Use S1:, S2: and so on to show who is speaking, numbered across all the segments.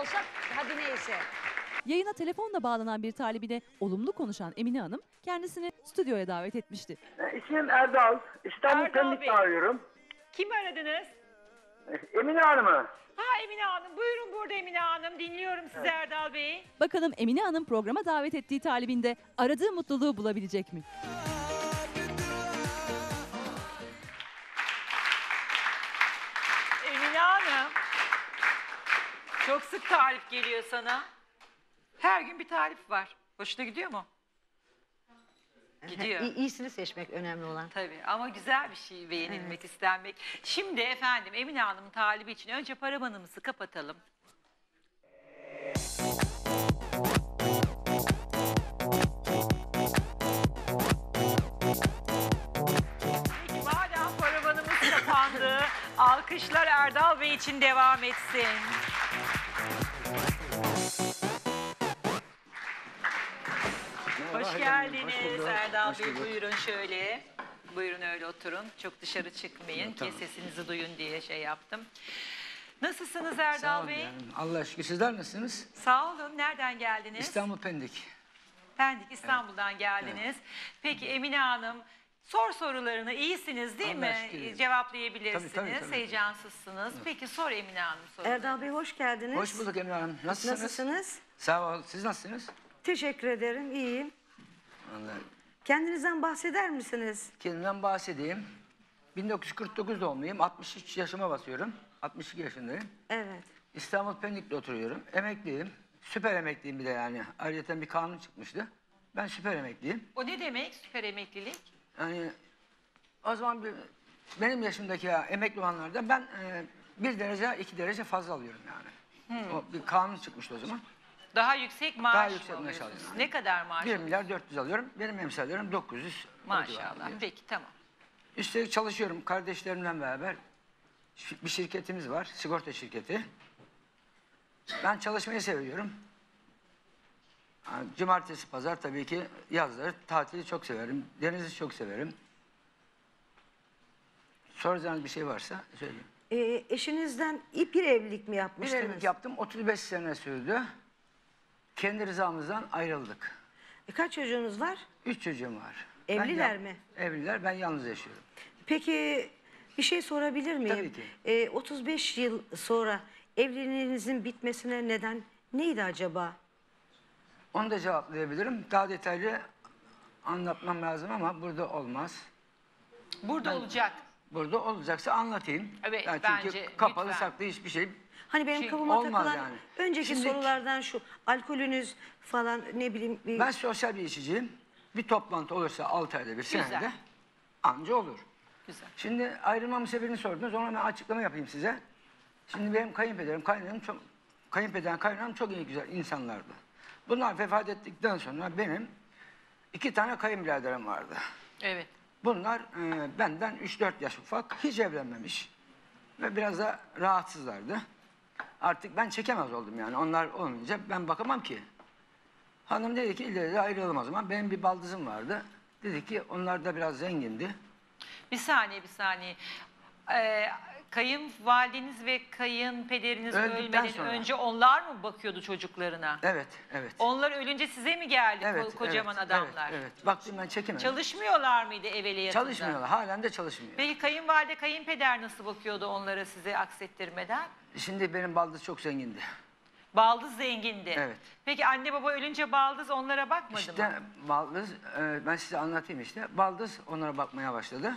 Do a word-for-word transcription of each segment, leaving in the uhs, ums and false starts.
S1: olsak hadi neyse.
S2: Yayına telefonla bağlanan bir talibine olumlu konuşan Emine Hanım kendisini stüdyoya davet etmişti.
S3: İsmim Erdal. İstanbul
S1: Erdal
S3: Pendik'te
S1: Bey.
S3: arıyorum.
S1: Kim aradınız?
S3: Emine Hanım'ı.
S1: Ha Emine Hanım. Buyurun burada Emine Hanım. Dinliyorum sizi evet. Erdal Bey.
S2: Bakalım Emine Hanım programa davet ettiği talibinde aradığı mutluluğu bulabilecek mi?
S1: Emine Hanım. Çok sık tarif geliyor sana. Her gün bir tarif var. Hoşuna gidiyor mu? Gidiyor.
S4: İyisini seçmek önemli olan.
S1: Tabii ama güzel bir şey beğenilmek, evet. istenmek. Şimdi efendim Emine Hanım'ın talibi için önce paravanımızı kapatalım. Peki madem paravanımız kapandı, alkışlar Erdal Bey için devam etsin. Hoş geldiniz Hoş Erdal Hoş Bey. Buyurun şöyle. Buyurun öyle oturun. Çok dışarı çıkmayın tamam. ki sesinizi duyun diye şey yaptım. Nasılsınız Erdal Sağ olun Bey?
S5: Yani. Allah'a şükür. Sizler nasılsınız?
S1: Sağ olun. Nereden geldiniz?
S5: İstanbul Pendik. Pendik
S1: İstanbul'dan evet. geldiniz. Evet. Peki Emine Hanım sor sorularını. İyisiniz değil mi? Şükür. Cevaplayabilirsiniz. Tabii, tabii, tabii. Heyecansızsınız. Evet. Peki sor Emine Hanım soruları.
S4: Erdal Bey hoş geldiniz.
S5: Hoş bulduk Emine Hanım. Nasılsınız?
S4: Nasılsınız?
S5: Sağ olun. Siz nasılsınız?
S4: Teşekkür ederim. İyiyim.
S5: Vallahi.
S4: Kendinizden bahseder misiniz?
S5: Kendimden bahsedeyim. bin dokuz yüz kırk dokuz doğumluyum. altmış üç yaşıma basıyorum. altmış iki yaşındayım.
S4: Evet.
S5: İstanbul Pendik'te oturuyorum. Emekliyim. Süper emekliyim bir de yani. Ayrıca bir kanun çıkmıştı. Ben süper emekliyim.
S1: O ne demek süper emeklilik?
S5: Yani o zaman bir, benim yaşımdaki ya, emekli olanlardan ben e, bir derece iki derece fazla alıyorum yani. Hmm. O bir kanun çıkmıştı o zaman.
S1: Daha yüksek maaş
S5: Daha yüksek
S1: mı
S5: maaş
S1: alıyorsunuz?
S5: alıyorum.
S1: Ne kadar maaş
S5: bir milyar dört yüz alıyorum. Benim emsallerim dokuz yüz.
S1: Maşallah. Peki tamam.
S5: Üstelik çalışıyorum kardeşlerimle beraber. Bir şirketimiz var. Sigorta şirketi. Ben çalışmayı seviyorum. Cumartesi, pazar tabii ki yazları tatili çok severim. Denizi çok severim. Soracağınız bir şey varsa söyleyeyim.
S4: Ee, eşinizden bir evlilik mi
S5: Bir
S4: yapmıştınız?
S5: evlilik yaptım. otuz beş sene sürdü. Kendi rızamızdan ayrıldık.
S4: E, kaç çocuğunuz var?
S5: Üç çocuğum var.
S4: Evliler
S5: ben,
S4: mi?
S5: Evliler. Ben yalnız yaşıyorum.
S4: Peki bir şey sorabilir miyim?
S5: Tabii ki.
S4: Ee, otuz beş yıl sonra evliliğinizin bitmesine neden neydi acaba?
S5: Onu da cevaplayabilirim. Daha detaylı anlatmam lazım ama burada olmaz.
S1: Burada
S5: ben,
S1: olacak.
S5: Burada olacaksa anlatayım.
S1: Evet
S5: yani çünkü
S1: bence.
S5: Kapalı
S1: lütfen.
S5: saklı hiçbir şey.
S4: Hani benim
S1: şey,
S4: kafama takılan
S5: yani.
S4: önceki
S5: Şimdi,
S4: sorulardan şu alkolünüz falan ne bileyim. Bir...
S5: Ben sosyal bir içiciyim. Bir toplantı olursa altı ayda bir
S1: Güzel.
S5: senede anca olur.
S1: Güzel.
S5: Şimdi ayrılmamın sebebini sordunuz. Ona ben açıklama yapayım size. Şimdi benim kayınpederim, kaynanam çok, kayınpederim, kaynanam çok iyi güzel insanlardı. Bunlar vefat ettikten sonra benim iki tane kayınbiraderim vardı.
S1: Evet.
S5: Bunlar e, benden üç dört yaş ufak, hiç evlenmemiş ve biraz da rahatsızlardı. Artık ben çekemez oldum yani. Onlar olmayınca ben bakamam ki. Hanım dedi ki ileri de ayrılalım o zaman. Benim bir baldızım vardı. Dedi ki onlar da biraz zengindi.
S1: Bir saniye bir saniye. Ee, kayınvalideniz ve kayınpederiniz
S5: Öldükten
S1: ölmeden
S5: sonra.
S1: önce onlar mı bakıyordu çocuklarına?
S5: Evet, evet.
S1: Onlar ölünce size mi geldi
S5: Evet,
S1: ko kocaman
S5: evet,
S1: adamlar?
S5: Evet, evet. Baktım ben çekemedim.
S1: Çalışmıyorlar mıydı evveliyatında?
S5: Çalışmıyorlar. Halen de çalışmıyor.
S1: Peki kayınvalide, kayınpeder nasıl bakıyordu onlara size aksettirmeden?
S5: Şimdi benim baldız çok zengindi.
S1: Baldız zengindi.
S5: Evet.
S1: Peki anne baba ölünce baldız onlara bakmadı
S5: İşte
S1: mı?
S5: baldız, e, ben size anlatayım işte. Baldız onlara bakmaya başladı.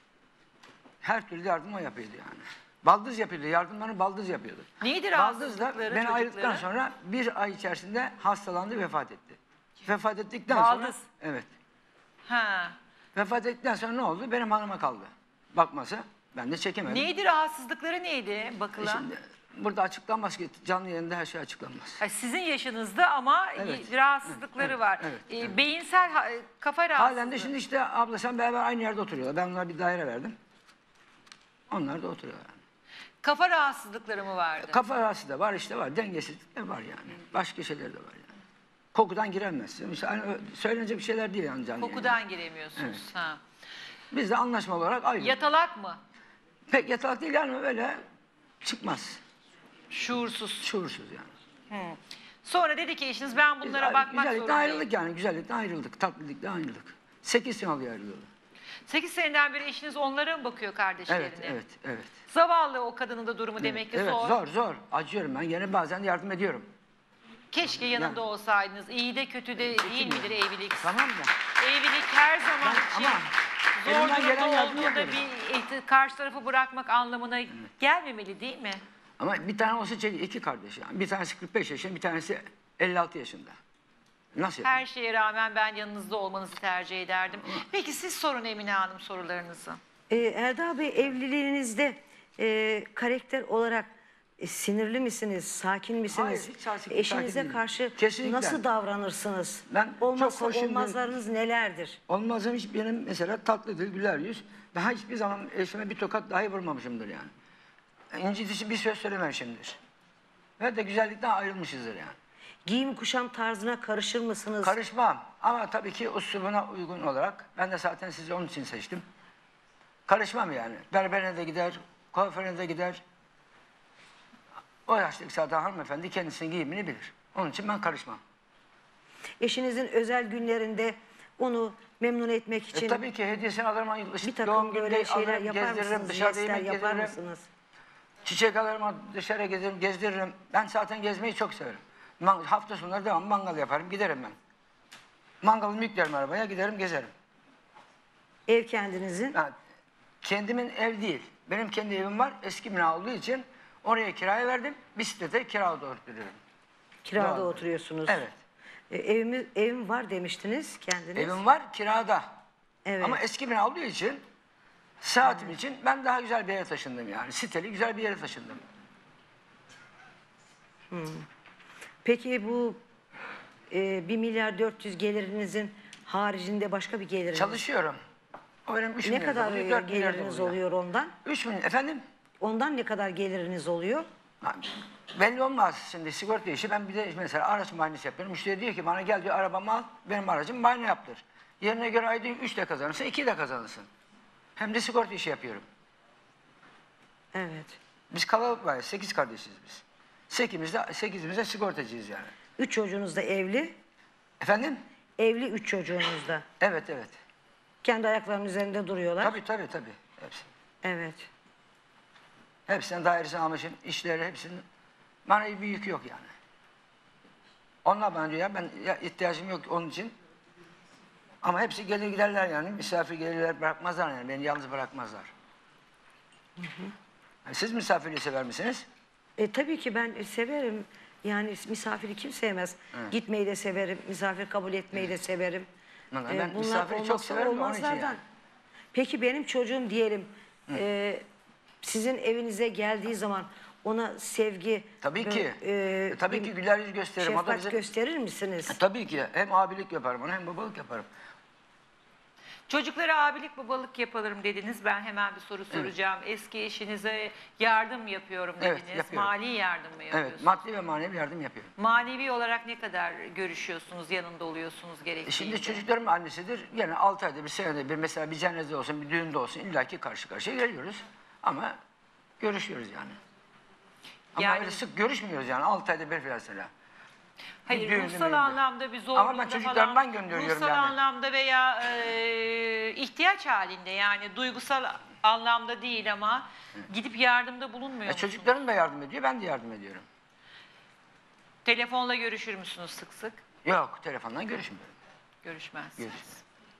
S5: Her türlü yardım o yapıyordu yani. Baldız yapıyordu, yardımlarını baldız yapıyordu.
S1: Neydi
S5: Baldız da
S1: rahatsızlıkları
S5: beni ayrıldıktan
S1: çocukları?
S5: sonra bir ay içerisinde hastalandı, vefat etti. Vefat ettikten
S1: Baldız.
S5: sonra... Evet.
S1: Ha.
S5: Vefat ettikten sonra ne oldu? Benim hanıma kaldı. Bakması. Ben de çekemedim.
S1: Neydi rahatsızlıkları neydi bakılan?
S5: E şimdi burada açıklanmaz ki. Canlı yayında her şey açıklanmaz.
S1: Ha, sizin yaşınızda ama
S5: Evet.
S1: rahatsızlıkları
S5: Evet,
S1: var.
S5: evet,
S1: Ee,
S5: evet.
S1: Beyinsel ha- kafa rahatsızlığı.
S5: Halen de şimdi işte abla sen beraber aynı yerde oturuyorlar. Ben onlara bir daire verdim. Onlar da oturuyorlar.
S1: Kafa rahatsızlıkları mı vardı?
S5: Kafa rahatsızlığı da var işte var. Dengesizlik de var yani. Başka şeyler de var yani. Kokudan giremez. İşte hani söylenecek bir şeyler değil yani canlı
S1: Kokudan
S5: yayında.
S1: giremiyorsunuz.
S5: Evet.
S1: Ha.
S5: Biz de anlaşmalı olarak ayrıldık.
S1: Yatalak mı?
S5: Pek yatalak değil yani öyle çıkmaz.
S1: Şuursuz.
S5: Şuursuz yani.
S1: Sonra dedi ki eşiniz ben bunlara
S5: Biz
S1: bakmak
S5: güzellikle
S1: zorundayım.
S5: ayrıldık yani. Güzellikle ayrıldık. Tatlılıkla ayrıldık. Sekiz sene oluyor ayrılalı.
S1: sekiz seneden beri eşiniz onlara mı bakıyor kardeşlerine?
S5: Evet, evet, evet.
S1: Zavallı o kadının da durumu demek ki
S5: evet,
S1: zor.
S5: zor, zor. Acıyorum ben. Yine bazen yardım ediyorum.
S1: Keşke yanında
S5: Yani-
S1: olsaydınız. İyi de kötü de değil midir evlilik?
S5: Tamam da.
S1: Evlilik her zaman
S5: Ben-
S1: için
S5: ama
S1: zor
S5: elimden gelen
S1: durumda
S5: yardımı
S1: olduğunda
S5: yapıyorum.
S1: bir ihti- karşı tarafı bırakmak anlamına gelmemeli değil mi?
S5: Ama bir tane olsa çek, iki kardeş yani. Bir tanesi kırk beş yaşında, bir tanesi elli altı yaşında. Nasıl yapayım?
S1: Her şeye rağmen ben yanınızda olmanızı tercih ederdim. Peki siz sorun Emine Hanım sorularınızı.
S4: Ee, Erdal Bey, evliliğinizde e, karakter olarak e, sinirli misiniz, sakin misiniz?
S5: Hayır, hiç sakin-
S4: Eşinize
S5: sakin değilim.
S4: karşı
S5: Kesinlikle.
S4: nasıl davranırsınız?
S5: Ben çok
S4: Olmazsa
S5: hoşum-
S4: olmazlarınız nelerdir?
S5: Olmazım hiç benim mesela tatlıdır, güler yüz. Daha hiçbir zaman eşime bir tokat dahi vurmamışımdır yani. İncitici bir söz söylememişimdir. Ve de güzellikten ayrılmışızdır yani.
S4: Giyim kuşam tarzına karışır mısınız?
S5: Karışmam ama tabii ki usulüne uygun olarak. Ben de zaten sizi onun için seçtim. Karışmam yani. Berberine de gider, kuaförüne de gider. O yaştaki zaten hanımefendi kendisinin giyimini bilir. Onun için ben karışmam.
S4: Eşinizin özel günlerinde onu memnun etmek için
S5: E, tabii ki hediyesini alırım.
S4: bir takım
S5: doğum
S4: böyle
S5: gününde
S4: şeyler
S5: alırım,
S4: yapar
S5: gezdiririm,
S4: mısınız?
S5: dışarıda
S4: Jestler
S5: yemek
S4: yapar
S5: yediririm.
S4: mısınız?
S5: Çiçek alırım, dışarı gezerim, gezdiririm. Ben zaten gezmeyi çok severim. Man- hafta sonları devam mangal yaparım, giderim ben. Mangalımı yüklerim arabaya, giderim, gezerim.
S4: Ev kendinizin.
S5: Yani kendimin ev değil. Benim kendi evim var. Eski bina olduğu için oraya kiraya verdim. Bir sitede kirada oturuyorum.
S4: Kirada
S5: Doğru.
S4: oturuyorsunuz.
S5: Evet.
S4: E, evimi, evim var demiştiniz kendiniz.
S5: Evim var kirada.
S4: Evet.
S5: Ama eski bina olduğu için saatim için ben daha güzel bir yere taşındım yani. Siteli güzel bir yere taşındım.
S4: Peki bu e, bir milyar dört yüz gelirinizin haricinde başka bir geliriniz?
S5: Çalışıyorum. O benim üç
S4: Ne
S5: milyar
S4: kadar
S5: oluyor,
S4: e,
S5: dört milyar
S4: geliriniz
S5: oluyor.
S4: oluyor ondan?
S5: Üç milyon efendim?
S4: Ondan ne kadar geliriniz oluyor?
S5: Ha, belli olmaz şimdi sigorta işi. Ben bir de mesela araç muayenesi yapıyorum. Müşteri diyor ki bana gel diyor arabamı al, benim aracım muayene yaptır. Yerine göre ayda üç de kazanırsın, iki de kazanırsın. Hem de sigorta işi yapıyorum.
S4: Evet.
S5: Biz kalabalık var, sekiz kardeşiz biz. Sekizimiz de, sekizimiz de sigortacıyız yani.
S4: Üç çocuğunuz da evli.
S5: Efendim?
S4: Evli üç çocuğunuz da.
S5: Evet, evet.
S4: Kendi ayaklarının üzerinde duruyorlar.
S5: Tabii, tabii, tabii. Hepsi.
S4: Evet.
S5: Hepsinin dairesini almışım, işleri hepsinin. Bana bir yük yok yani. Onlar bana diyor ya ben ya, ihtiyacım yok onun için. Ama hepsi gelir giderler yani. Misafir gelirler bırakmazlar yani. Beni yalnız bırakmazlar. Hı hı. Yani siz misafirliği sever misiniz?
S4: E, tabii ki ben severim. Yani misafiri kim sevmez?
S5: Evet.
S4: Gitmeyi de severim. Misafir kabul etmeyi de severim.
S5: Vallahi
S4: E,
S5: ben
S4: bunlar
S5: misafiri çok
S4: olmazsa
S5: severim de onun için
S4: olmazlardan.
S5: yani.
S4: Peki benim çocuğum diyelim e, sizin evinize geldiği zaman ona sevgi
S5: Tabii
S4: böyle,
S5: ki.
S4: e,
S5: E, tabii
S4: bir
S5: ki güler yüz gösteririm. O da
S4: şefkat
S5: bize...
S4: gösterir misiniz?
S5: E, tabii ki. Hem abilik yaparım ona hem babalık yaparım.
S1: Çocuklara abilik babalık yapalım dediniz. Ben hemen bir soru soracağım. Eski eşinize yardım yapıyorum
S5: Evet,
S1: dediniz.
S5: yapıyorum.
S1: Mali yardım mı yapıyorsunuz?
S5: Evet, maddi ve manevi yardım yapıyorum.
S1: Manevi olarak ne kadar görüşüyorsunuz, yanında oluyorsunuz
S5: E
S1: gerektiğinde?
S5: şimdi çocuklarım annesidir. Yani altı ayda bir, senede bir, mesela bir cenaze olsun, bir düğünde olsun illaki karşı karşıya geliyoruz. Ama görüşüyoruz yani. Ama
S1: Yani-
S5: öyle sık görüşmüyoruz yani altı ayda bir falan mesela.
S1: Hayır,
S5: düğünde,
S1: ruhsal
S5: düğünde.
S1: anlamda bir zorluğunda
S5: Ama ben çocuklarımdan
S1: falan,
S5: gönderiyorum
S1: ruhsal
S5: yani.
S1: anlamda veya e, ihtiyaç halinde yani duygusal anlamda değil ama gidip yardımda bulunmuyor
S5: E
S1: musunuz?
S5: çocuklarım da yardım ediyor, ben de yardım ediyorum.
S1: Telefonla görüşür müsünüz sık sık?
S5: Yok, telefondan görüşmüyorum.
S1: Görüşmezsiniz.
S5: Görüşmüyorum.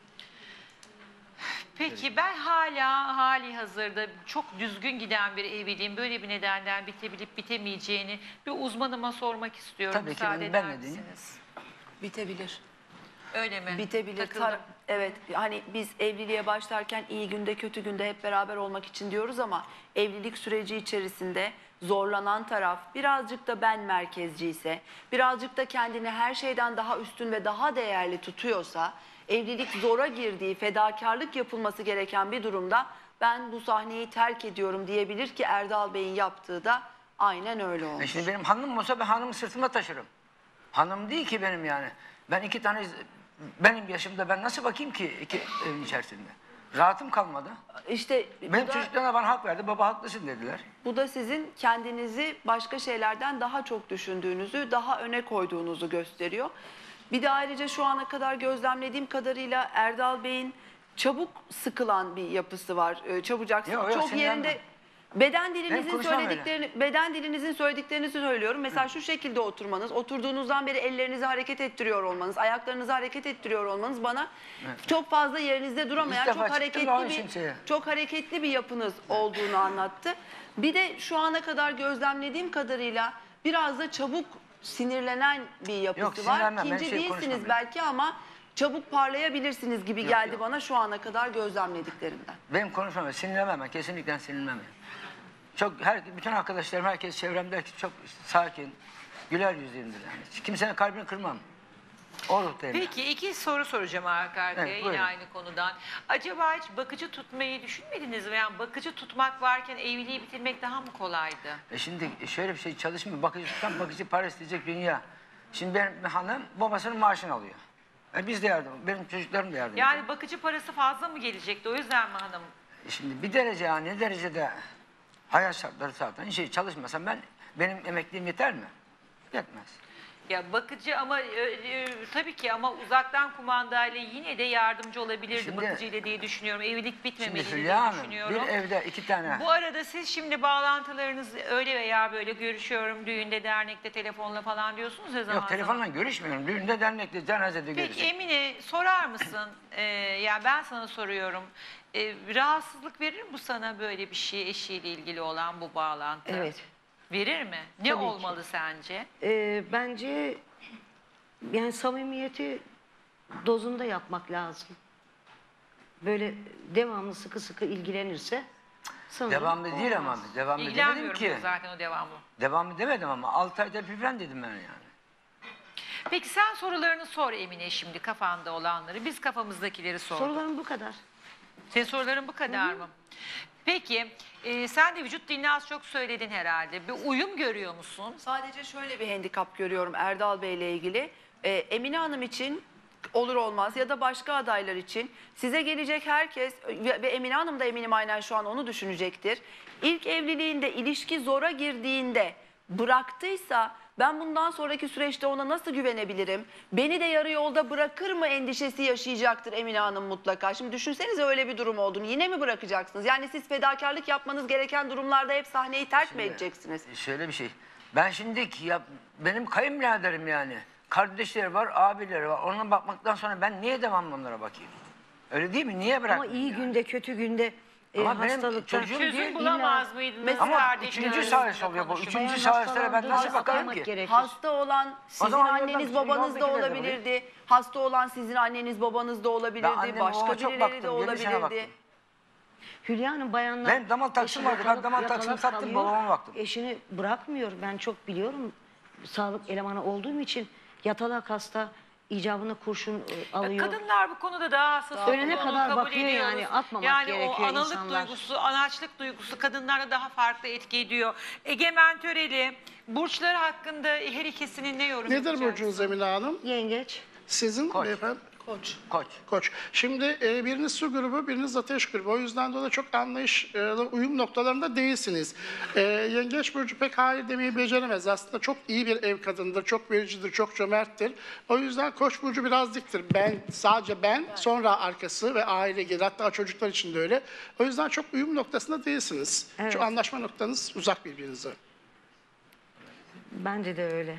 S1: Peki ben hala hali hazırda çok düzgün giden bir evliliğin böyle bir nedenden bitebilip bitemeyeceğini bir uzmanıma sormak istiyorum.
S5: Tabii ki,
S1: Müsaade
S5: ben-
S1: eder
S5: ben de diyeyim.
S1: misiniz?
S6: Bitebilir.
S1: Öyle mi?
S6: Bitebilir.
S1: Takıldım.
S6: Tar- evet, hani biz evliliğe başlarken iyi günde kötü günde hep beraber olmak için diyoruz ama evlilik süreci içerisinde zorlanan taraf birazcık da ben merkezci ise, birazcık da kendini her şeyden daha üstün ve daha değerli tutuyorsa, evlilik zora girdiği, fedakarlık yapılması gereken bir durumda ben bu sahneyi terk ediyorum diyebilir ki Erdal Bey'in yaptığı da aynen öyle
S5: E
S6: olmuş.
S5: şimdi benim hanımım olsa ben hanımı sırtımda taşırım. Hanım değil ki benim yani. Ben iki tane, benim yaşımda ben nasıl bakayım ki iki evin içerisinde? Rahatım kalmadı.
S6: İşte
S5: Benim
S6: bu da,
S5: çocuklarına bana hak verdi. Baba haklısın dediler.
S6: bu da sizin kendinizi başka şeylerden daha çok düşündüğünüzü, daha öne koyduğunuzu gösteriyor. Bir de ayrıca şu ana kadar gözlemlediğim kadarıyla Erdal Bey'in çabuk sıkılan bir yapısı var. Ee, Çabucak
S5: Yok, yok,
S6: çok
S5: sinirlenmem.
S6: yerinde beden
S5: Benim
S6: dilinizin
S5: konuşmam
S6: söylediklerini beden dilinizin söylediklerini söylüyorum. Mesela şu şekilde oturmanız, oturduğunuzdan beri ellerinizi hareket ettiriyor olmanız, ayaklarınızı hareket ettiriyor olmanız bana çok fazla yerinizde duramayan,
S5: İlk defa
S6: çok
S5: çıktım
S6: hareketli
S5: abi
S6: bir
S5: şimşeye.
S6: çok hareketli bir yapınız olduğunu anlattı. Bir de şu ana kadar gözlemlediğim kadarıyla biraz da çabuk sinirlenen bir yapısı
S5: Yok,
S6: var.
S5: sinirlenmem. Ben
S6: İkinci
S5: şey
S6: değilsiniz
S5: konuşmam
S6: belki ama çabuk parlayabilirsiniz gibi
S5: Yok,
S6: geldi
S5: yok.
S6: bana şu ana kadar gözlemlediklerimden.
S5: Benim konuşmam, sinirlenmem ben. Kesinlikle sinirlenmem. Çok, her, bütün arkadaşlarım, herkes çevremde çok sakin, güler yüzlüyümdür yani. Kimsenin kalbini kırmam. O ruhtayım.
S1: Peki iki soru soracağım arka arkaya
S5: Evet,
S1: yine
S5: buyurun.
S1: aynı konudan. Acaba hiç bakıcı tutmayı düşünmediniz mi? Yani bakıcı tutmak varken evliliği bitirmek daha mı kolaydı?
S5: E şimdi şöyle bir şey çalışmıyor. Bakıcı tutan bakıcı para isteyecek dünya. Şimdi benim hanım babasının maaşını alıyor. E biz de yardım, benim çocuklarım da yardım ediyor.
S1: Yani bakıcı parası fazla mı gelecekti? O yüzden mi hanım?
S5: E şimdi bir derece yani ne derecede hayat şartları zaten şey çalışmasam ben benim emekliliğim yeter mi? Yetmez.
S1: Ya bakıcı ama e, e, tabii ki ama uzaktan kumandayla yine de yardımcı olabilirdi
S5: Şimdi-
S1: bakıcıyla diye düşünüyorum. Evlilik
S5: Şimdi
S1: bitmemeliydi diye
S5: Hülya Hanım
S1: düşünüyorum.
S5: bir evde iki tane.
S1: Bu arada siz şimdi bağlantılarınız öyle veya böyle görüşüyorum düğünde, dernekte, telefonla falan diyorsunuz ya zaman
S5: Yok telefonla görüşmüyorum. Düğünde, dernekte, cenazede
S1: Peki
S5: görüşüyorum.
S1: Emine sorar mısın? Ee, yani ben sana soruyorum. Ee, rahatsızlık verir mi bu sana böyle bir şey eşiyle ilgili olan bu bağlantı?
S4: Evet.
S1: Verir mi? Ne
S4: Tabii ki.
S1: olmalı sence?
S4: Ee, bence yani samimiyeti dozunda yapmak lazım. Böyle devamlı sıkı sıkı ilgilenirse sanırım
S5: Devamlı değil ama
S4: olmaz.
S5: devamlı demedim
S1: İlgilenmiyorum
S5: ki.
S1: diyor zaten o devamlı.
S5: Devamlı demedim ama altı ayda bir falan dedim ben yani.
S1: Peki sen sorularını sor Emine şimdi kafanda olanları. Biz kafamızdakileri sorduk.
S4: Sorularım bu kadar.
S1: Senin soruların bu kadar mı? Peki e, sen de vücut dilini az çok söyledin herhalde. Bir uyum görüyor musun?
S6: Sadece şöyle bir handikap görüyorum Erdal Bey ile ilgili. Ee, Emine Hanım için olur olmaz ya da başka adaylar için size gelecek herkes ve ve Emine Hanım da eminim aynen şu an onu düşünecektir. İlk evliliğinde ilişki zora girdiğinde bıraktıysa ben bundan sonraki süreçte ona nasıl güvenebilirim? Beni de yarı yolda bırakır mı endişesi yaşayacaktır Emine Hanım mutlaka. Şimdi düşünsenize öyle bir durum olduğunu. Yine mi bırakacaksınız? Yani siz fedakarlık yapmanız gereken durumlarda hep sahneyi terk mi edeceksiniz?
S5: Şöyle bir şey. Ben şimdi ya, benim kayınbiraderim yani. Kardeşleri var, abileri var. Ona bakmaktan sonra ben niye devamlı onlara bakayım? Öyle değil mi? Niye
S4: Ama
S5: bırakmayayım
S4: iyi
S5: yani?
S4: günde kötü günde e,
S5: Ama benim
S4: hastalıkta
S5: çocuğum
S1: Çözüm
S5: değil,
S1: bulamaz
S4: illa-
S1: mıydınız?
S5: Ama
S1: kardeşler
S5: üçüncü
S1: arasında
S5: sahası oluyor bu.
S1: konuşup?
S5: Üçüncü
S4: Bayan
S5: sahaslara ben
S4: hastalandığı
S5: nasıl
S4: zaman
S5: bakarım
S4: bakmak
S5: ki?
S4: gerekir.
S6: Hasta olan sizin
S5: zaman yoldan-
S6: anneniz babanız da
S5: yoldakiler de
S6: olabilirdi. Hasta olan sizin anneniz babanız da
S5: Ben
S6: olabilirdi.
S5: anneme,
S6: Başka
S5: babama çok
S6: birileri de
S5: baktım, yedi sene
S6: olabilirdi.
S5: baktım.
S4: Hülya Hanım bayanlar...
S5: Benim damal taksım
S4: eşi
S5: vardı. Ben
S4: yatalak-
S5: damal taksımı
S4: yatalak
S5: sattım,
S4: kalıyor,
S5: babama baktım.
S4: Eşini bırakmıyor. Ben çok biliyorum. Sağlık elemanı olduğum için yatalak hasta icabına kurşun e, alıyor.
S1: Kadınlar bu konuda daha hassas.
S4: Ölene
S1: olduğunu
S4: kadar
S1: kabul
S4: bakıyor
S1: ediyoruz.
S4: yani, atmamak
S1: yani
S4: gerekiyor
S1: o analık
S4: insanlar.
S1: duygusu, anaçlık duygusu kadınlarda daha farklı etki ediyor. Egemen Töreli, burçlar hakkında her ikisinin ne yorum
S7: Nedir
S1: yapacaksın?
S7: burcunuz Emine Hanım?
S4: Yengeç.
S7: Sizin
S5: Koç.
S7: beyefendi?
S5: Koç.
S7: Koç. Şimdi e, biriniz su grubu, biriniz ateş grubu. O yüzden dolayı çok anlayışlı, uyum noktalarında değilsiniz. E, Yengeç burcu pek hayır demeyi beceremez. Aslında çok iyi bir ev kadınıdır, çok vericidir, çok cömerttir. O yüzden Koç burcu biraz diktir. Ben, sadece ben, sonra arkası ve aile gelir. Hatta çocuklar için de öyle. O yüzden çok uyum noktasında değilsiniz.
S4: Evet.
S7: Şu anlaşma noktanız uzak birbirinize.
S4: Bence de öyle.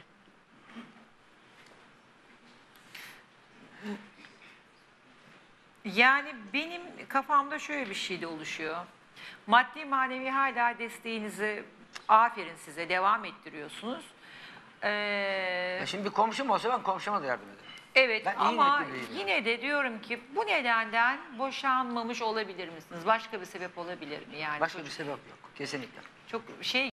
S1: Yani benim kafamda şöyle bir şey de oluşuyor. Maddi manevi hala desteğinizi aferin size devam ettiriyorsunuz. Ee,
S5: Ya şimdi bir komşum olsa ben komşuma da yardım ederim.
S1: evet
S5: ben iyi
S1: ama
S5: niyetliyim yani.
S1: yine de diyorum ki bu nedenden boşanmamış olabilir misiniz? Başka bir sebep olabilir mi? Yani
S5: Başka
S1: çocuk-
S5: bir sebep yok. Kesinlikle.
S1: çok şey